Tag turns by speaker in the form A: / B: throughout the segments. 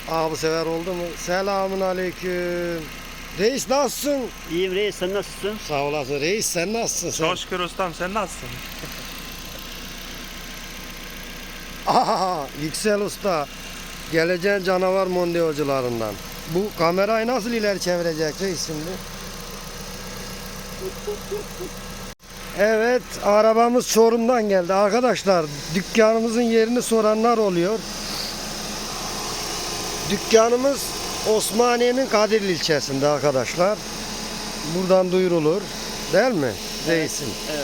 A: Abi sever oldu mu? Selamun aleyküm. Reis nasılsın?
B: İyiyim reis, sen nasılsın?
A: Sağ olasın reis, sen nasılsın sen?
C: Çok şükür ustam, sen nasılsın?
A: Aha, Yüksel Usta. Geleceğin canavar mondiyocularından. Bu kamerayı nasıl ileri çevirecek reis şimdi? Evet, arabamız Çorum'dan geldi. Arkadaşlar, dükkanımızın yerini soranlar oluyor. Dükkanımız Osmaniye'nin Kadirli ilçesinde arkadaşlar. Buradan duyurulur. Değil mi reisim?
B: Evet.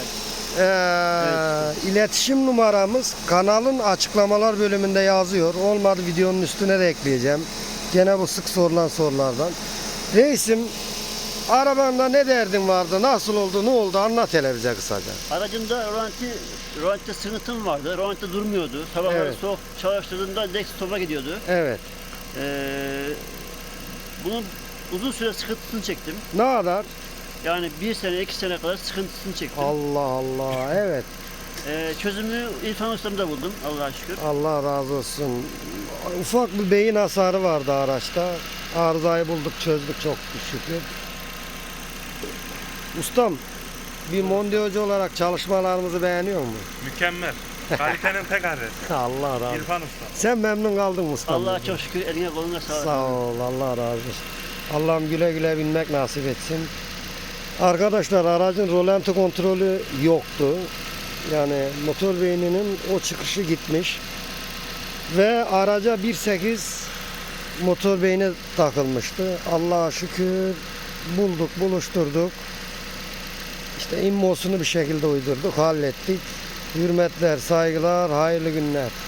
A: İletişim numaramız kanalın açıklamalar bölümünde yazıyor. Olmadı videonun üstüne de ekleyeceğim. Gene bu sık sorulan sorulardan. Reisim, arabanda ne derdin vardı? Nasıl oldu? Ne oldu? Anlat hele bize kısaca.
B: Aracımda rölantide sıkıntım vardı. Rölantide durmuyordu. Sabahları
A: Evet.
B: soğuk çalıştırdığımda direkt stopa gidiyordu.
A: Evet.
B: Bunun uzun süre sıkıntısını çektim.
A: Ne kadar?
B: Yani 1 sene, 2 sene kadar sıkıntısını çektim.
A: Allah Allah. Evet.
B: Çözümü İrfan Ustam'da buldum Allah'a şükür.
A: Allah razı olsun. Ufak bir beyin hasarı vardı araçta. Arızayı bulduk, çözdük çok şükür. Ustam, bir mondiyocu olarak çalışmalarımızı beğeniyor musun?
C: Mükemmel. Kalitenin tek adresi.
A: Allah razı olsun.
C: İrfan Usta.
A: Sen memnun kaldın mı ustam?
B: Allah'a çok şükür, eline koluna sağlık.
A: Sağ ol, Allah razı olsun. Allah'ım güle güle binmek nasip etsin. Arkadaşlar, aracın rolanti kontrolü yoktu. Yani motor beyninin o çıkışı gitmiş. Ve araca 1.8 motor beyni takılmıştı. Allah'a şükür bulduk, buluşturduk. İşte immosunu bir şekilde uydurduk, hallettik. Hürmetler, saygılar, hayırlı günler.